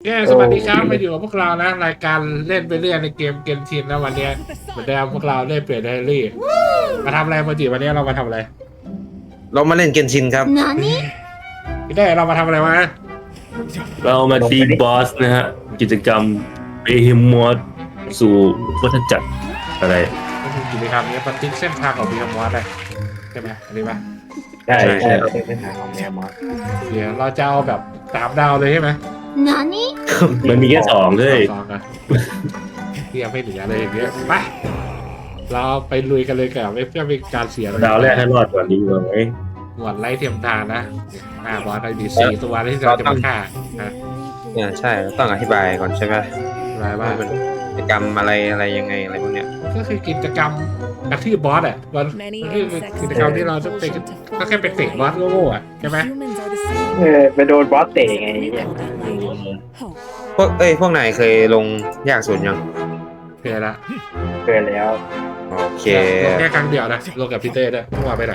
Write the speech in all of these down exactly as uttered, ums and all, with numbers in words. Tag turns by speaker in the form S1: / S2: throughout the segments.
S1: แย่สวัสดีครับมาอยู่กับพวกเรานะรายการเล่นไปเรื่อยในเกมเกมชินนะวันนี้เหมือนเดิมพวกเราเล่นเปลี่ยนไดอารี่มาทำอะไรโมจิวันนี้เรามาทำอะไร
S2: เรามาเล่นเกนชินครับ
S1: พี่ได้เรามาทำอะไรวะ
S3: เรามาตีบอสนะฮะกิจกรรมเบฮิมอสสู่วัฏจักรอะไร
S1: ก็คือกิจกรรมนี้บันทึกเส้นทางของบีคมอสเลยใช่ไหมอันนี้ปะ
S2: ใช่ใช่
S4: เราเป็นเส้นทางของแมวมอส
S1: เดี๋ยวเราจะเอาแบบสามดาวเลยใช่ไหม
S3: มันมีแค่สองเลย
S1: สองอะที่ยังไม่เหลือเลยอย่างเงี้ยไปเราไปลุยกันเลยกับไม่เพื่อเป็นการเสีย
S3: ดาวแรกให้รอดก่อนดีกว่าไหม
S1: หมวดไล่เทียมทานนะหน้าบอสได้ดีสี่ตัวที่เราจะมาฆ่านะ
S2: เนี่ยใช่ต้องอธิบายก่อนใช่ไหม
S1: อะไรว่า
S2: ว่ามันกิจกรรมอะไรอะไรยังไงอะไรพวกเนี้ย
S1: ก็คือกิจกรรมกระทืบบอสอ่ะมันคือกิจกรรมที่เราต้องเป็นก็แค่เป็นเตะบอสโง่ๆอ่ะใช่ไหม
S4: เออไปโดนบอสเตะไงเนี่ย
S2: พวกเอ้ยพวกนายเคยลงยากสุดยัง
S1: เพื่อละ
S4: เกินแล้ว
S2: โอเค
S1: ลงแค่ครั้งเดียวนะลงกับพีเต้ด้วยไม่ว่าไปไหน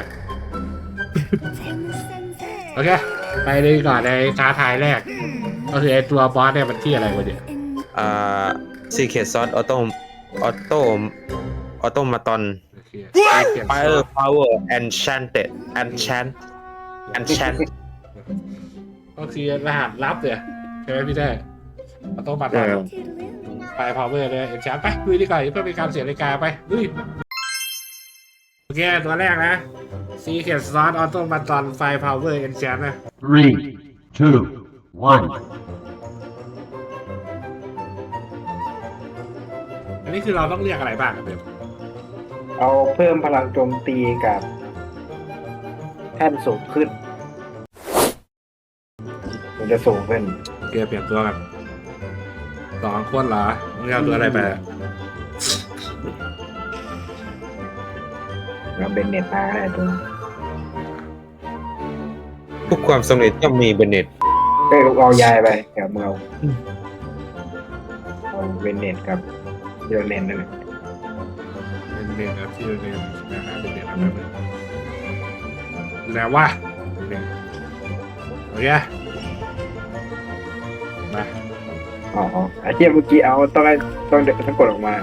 S1: โอเคไปเลยก่อนในท้าทายแรกก็คือไอตัวบอสเนี่ยมันที่อะไรวะเนี่ย
S2: อ่าซีเคทซอสออโต้ออโต้ออโตมาตอน
S1: โอเค
S2: ไฟเออร์พาวเวอร์แอนชันเต็ดแอนชันแอนชัน
S1: ก็คือรหัสลับเนี่ยใช่ไหมพี่เต้เราต้องมาทำไปพาวเวอร์เลยเอ็นชาร์ไปลุยดีกว่าเพื่อเป็นการเสียนาฬิกาไปลุยโอเคตัวแรกนะซีเคทซอสออโต้มาตอนไฟพาวเวอร์เอ็นชาร์นะ
S5: Three, two, one.
S1: อันนี้คือเราต้องเรียกอะไรบ้างครับเบล
S4: เอาเพิ่มพลังโจมตีกับแท่นสูงขึ้น มันจะสูงขึ้น
S1: เกมเปลี่ยนตัวกันสองคนเหรอมึงเอาตัวอะไรไปอะ
S4: เราเป็นเน็ตมาก็ได้ตัว
S2: ทุกความสำเร็จย่อมมีเบนเน็ต
S4: เอ้ยเอายายไปกับมึงเอาเอาเป็นเน็ตกับเดลเนนนั่นแหละ
S1: เป็นเด่นนะที่เด่นนะฮะเป็นเด่นอะไรไปแล้วว่าเด่นโอเคมา
S4: อ๋ออ๋อไอ้เทียเมื่อกี้เอาต้องให้ต้องเด็กต้องกดออกมานะ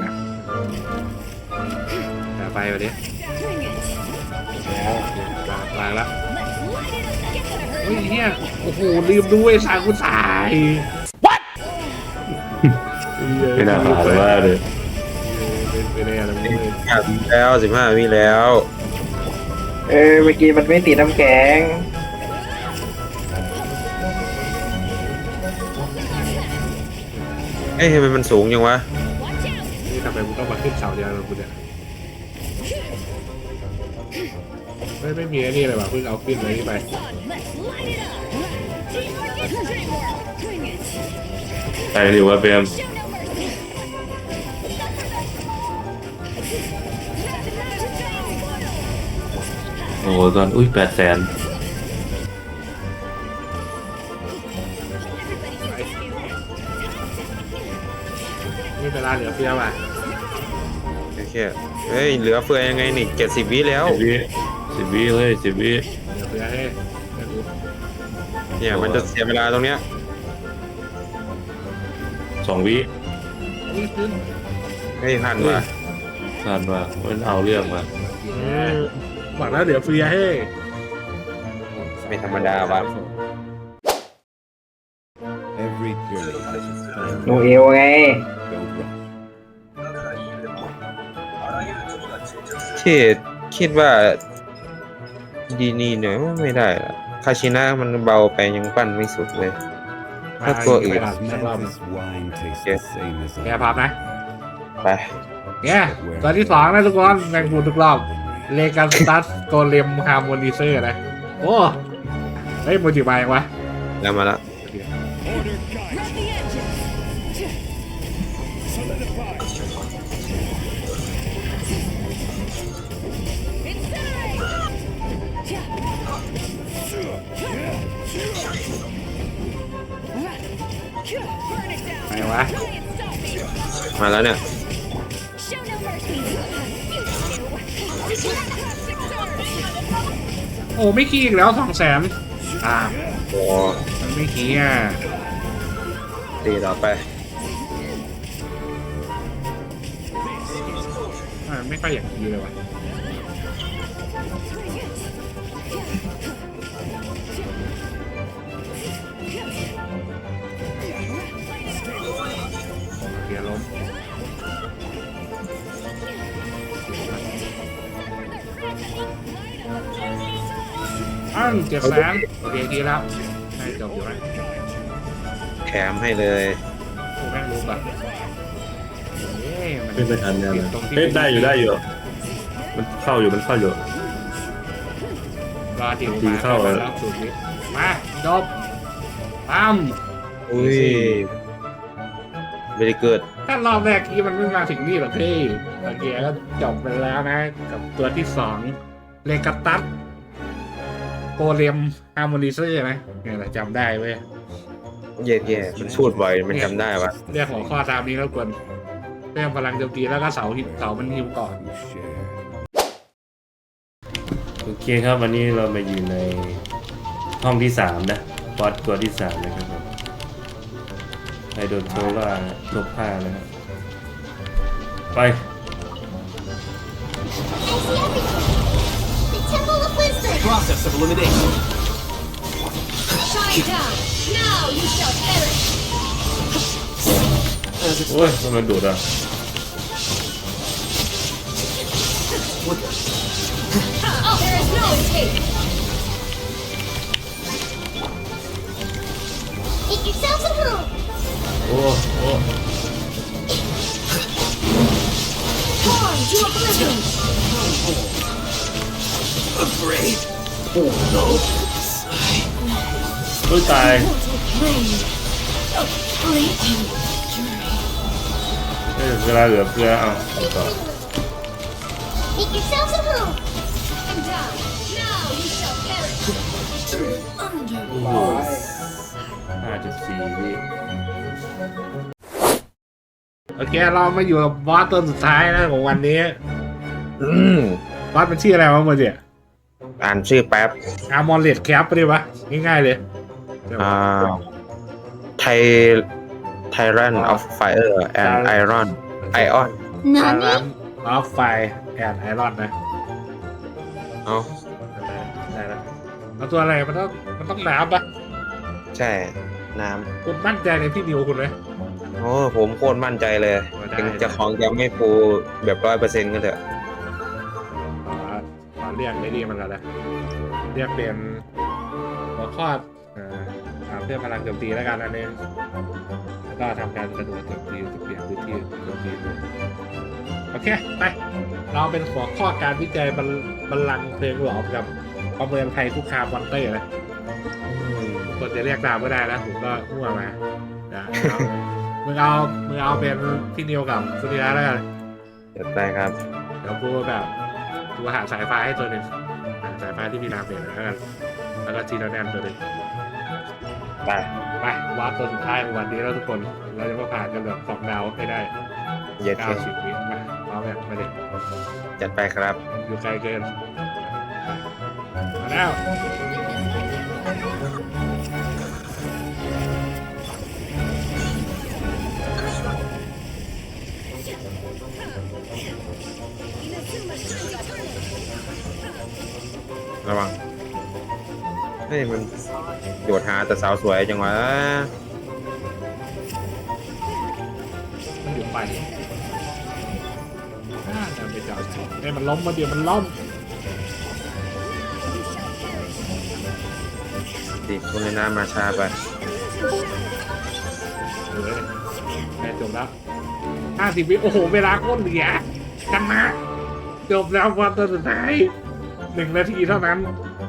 S1: เอาไปวันนี้
S4: แล้ว
S1: วางวางแล้วเฮ้ยเฮียโอ้โหลืมด้วยสายกูสาย
S3: ไม่น่าผ่านเลยว่าเลย
S1: เป็นอะไรอะไรไม่รู้
S2: ห้าวิแล้วสิบห้าวิแล้ว
S4: เออเมื่อกี้มันไม่ติดน้ำแข็ง
S2: เอ้ยทำไมมันสูงยังวะ
S1: นี่ทำไมมึงต้องมาขึ้นเสาเดียวกับกูเนี่ยไม่ไม่มีไอ้นี่เลยว่ะเพิ่งเอาขึ้นเลยนี่ไป
S3: ไปดีกว่าเบมโอ้ตอนอุ้ยแปดแสน
S1: นี่เวลาเหลือเฟือว่ะ
S2: โอเคเฮ้ยเหลือเฟือยังไงนี่เจ็ดสิบวิแล้ว
S3: สิบวิสิบวิเลยสิบวิ
S1: เหลือเฟือให้ให้กู
S2: เนี่ยมันจะเสียเวลาตรงเนี้ย
S3: สองวิ
S1: นี่ขึ้น
S2: เฮ้ยทันว่ะ
S3: ผ่านว่ามันเอาเรื่องมา
S1: หวังแล้วเหลือเฟือให้
S2: ไม่ธรรมดาว่ะ
S5: Every journey has its time
S4: โนเอลไง
S5: to go wrong.
S2: ที่คิดว่าดีนี่เนี่ยไม่ได้ละคาชินะมันเบาไปยังปั้นไม่สุดเลย ถ้าตัวอื่น
S1: สักรอบ
S5: This wine tastes
S2: Yeah.
S5: the same as
S1: แกพร้อมนะ
S2: ไป
S1: เนี่ยตัวที่สองนะทุกคนแบ่งบุญทุกรอบเลกาสตัสโกเลมฮาร์โมนิเซอร์นะโอ้เฮ้ยโมจิมายังวะ
S2: แล้วมาละ
S1: มายังวะ
S2: มาแล้วเนี่ย
S1: โอ้ไม่ขี้อีกแล้วสองแสนอ่า
S2: โอ้
S1: มันไม่ขี้อ่ะ
S2: เตีต่อไป
S1: อ่าไม่ค่อยอยากดีเลยว่ะเดี๋ยวล้มอ้าวเจ็ดแสนโอเคดีแล้วให้จบอยู่ไหม
S2: แถมให้เลย
S1: กูแม่งรู้ป่ะเอ๊ะมัน
S3: ไม่ไปทันเนี่ย
S1: ผิดตรงที่
S3: เฮ้ยได้อยู่ได้อยู่มันเข้าอยู่มันเข้าอยู่
S1: รอดิว
S3: ดี
S1: มา
S3: เข้า
S1: แล้วสูตรนี้มาจบปั๊ม
S2: อุ้ยไม่ได้เกิด
S1: ถ้ารอบแรกที่มันไม่มาถึงนี่หรอกพี่โอเคก็จบไปแล้วนะ กับตัวที่สองเลกาตัสโกเลมฮาร์โมนิเซอร์นะเนี่ยแหละจำได้เว้ย
S2: เย่เย่มันพูดบ่อยมันจำได้ปะ
S1: เรียกหัวข้อตามนี้แล้วกวนเรื่องพลังโจมตีแล้วก็เสาหินเสามันฮิวก่อน
S5: You share.
S3: โอเคครับวันนี้เรามาอยู่ในห้องที่สามนะบอสตัวที่สามนะครับผมไฮโดรโซล่าลบห้านะครับไป
S6: The Temple of Wisdom!
S7: Process of elimination.
S6: Shine down! Now you shall perish!
S7: As
S3: โอ้ยมันดูดอ่ะ
S6: Oh, there is no escape! Make yourselves at home!
S3: โอ้โอ้
S6: Born to oblivion!
S7: afraid. Oh no.
S3: เฮ้ยตาย
S6: Rain of fleeting fury.
S3: เฮ้ยเวลาเหลือเฟือเอาต่อ
S6: Make yourselves at home! And down! Now you shall perish! Under
S3: ห้าจุดสี่วิ
S1: โอเคเรามาอยู่กับบอสตัวสุดท้ายนะของวันนี้
S2: อืม
S1: บอสมันชื่ออะไรวะโมเดล
S2: อ่านชื่อแป๊บ
S1: อาร์มอนเลดแคปไปดิวะง่ายๆเลย
S2: อ่าไทไทรันออฟไฟเออร์แอนด์ไอรอนไอออน
S1: อา
S6: Nani?
S1: รันออฟไฟแอนไอรอนนะ
S2: เอา
S1: ได้แล้วแล้วตัวอะไรมันต้องมันต้องน้ำปะ
S2: ใช่ น้
S1: คุณมั่นใจในพี่นิวคุณไหม
S2: ำโอ้ผมโคตรมั่นใจเลย
S1: ได้
S2: ถึงจะของจะไม่ฟูแบบร้อยเปอร์เซ็นต์ก็เถอะ
S1: ขอขอเรียกได้ดีมันแล้วนะเรียกเป็นหัวข้อเอ่ออ่าเพื่อพลังโจมตีแล้วกันอันนี้แล้วก็ทำการกระโดดโจมตีจะเปลี่ยนพื้นที่โจมตีดูโอเคไปเราเป็นหัวข้อการวิจัยบรรบัลลังก์เพลงหลอมกับประเมินภัยคุกคามมอนเตอร์นะคนจะเรียกตามไม่ได้นะผมก็มั่วมานะเอามึงเอามึงเอาเป็นพี่นิวกับสุริยะแล้วกัน
S2: จัดไปครับ
S1: เดี๋ยวกูแบบกูหาสายไฟให้ตัวหนึ่งหาสายไฟที่มีน้ำเปลี่ยนแล้วกันแล้วก็จีโนแนมตัวหนึ่ง
S2: ไป
S1: ไปวาร์ปตัวสุดท้ายของวันนี้แล้วทุกคนเราจะมาผ่านกันแบบสองดาวให้ได้
S2: เย็ดเค
S1: เก้าสิบวิมาเอาแบบมาเด็ก
S2: จัดไปครับ
S1: อยู่ไกลเกินมาแล้ว
S2: ระวังเฮ้ยมันโดดหาแต่สาวสวยจังวะ
S1: มันอยู่ไปอ่าจะไปจอดไอ้ยมันล้มมาเดี๋ยวมันล้ม
S2: ดิคุณในน้ำมาช้าไป
S1: เออแค่จบแล้วห้าสิบวิโอ้โหเวลาโคตรเหลือกันนะจบแล้ววันตัวสุดท้ายหนึ่งนาทีเท่านั้น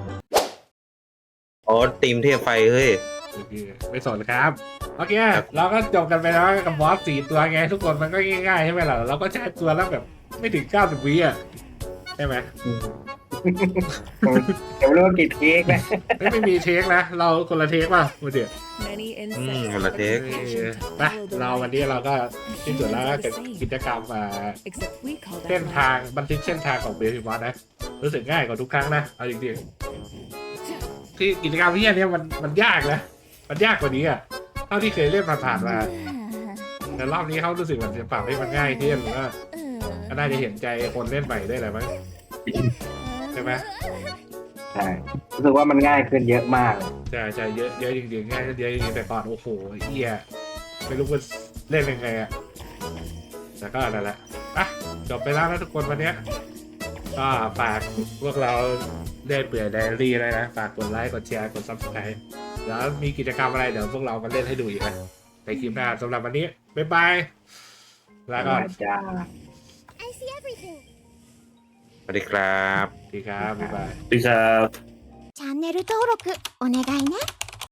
S2: โอ้ตีมเทพไฟเฮ้ย
S1: โอเคไม่สนครับ โอเค เราก็จบกันไปแล้วกับบอสสี่ตัวไง ทุกคนมันก็ง่ายๆใช่ไหมล่ะเราก็ใช้ตัวแล้วแบบไม่ถึงเก้าสิบวิอ่ะใช่ไหม
S4: ผมเดี๋ยวเริ่มกี่เทคนะ
S1: ไม่ไม่มีเทคนะ เราคนละเทคป่ะมาเดี๋ยว
S8: Many
S2: อืม
S8: insects
S2: คนละเทค
S1: เออไปเราวันนี้เราก็ที่สุดแล้วก็เกิดกิจกรรมอ่า
S8: except we call
S1: เส้น
S8: that
S1: ทางบันทึกเส้นทางของเบลฟิมอสนะรู้สึกง่ายกว่าทุกครั้งนะเอาจริงๆที่กิจกรรมที่อันเนี้ยมันมันยากนะมันยากกว่านี้อ่ะเท่าที่เคยเล่นผ่านๆมาแต่รอบนี้เขารู้สึกเหมือนจะปรับให้มันง่ายขึ้นหรือว่าก็น่าจะเห็นใจคนเล่นใหม่ด้วยแหละมั้งใช่ไหม
S4: ใช่รู้สึกว่ามันง่ายขึ้นเยอะมาก
S1: ใช่ใช่เยอะเยอะจริงๆง่ายเยอะจริงๆแต่ก่อนโอ้โหเฮียไม่รู้ว่าเล่นยังไงอะแต่ก็นั่นแหละอ่ะจบไปแล้วนะทุกคนวันเนี้ยก็ฝากพวกเราเล่นเปื่อยไดอารี่เลยนะฝากกดไลค์กดแชร์กดซับสไครต์แล้วมีกิจกรรมอะไรเดี๋ยวพวกเรามาเล่นให้ดูอีกนะในคลิปหน้าสำหรับวันนี้บ๊ายบายลาก่อน
S4: จ้า
S6: I see everything.
S2: สวัสดีครับ
S1: สวัสดีครับบ๊ายบาย
S3: พี่ครับ
S6: チャンネル登録お願いね。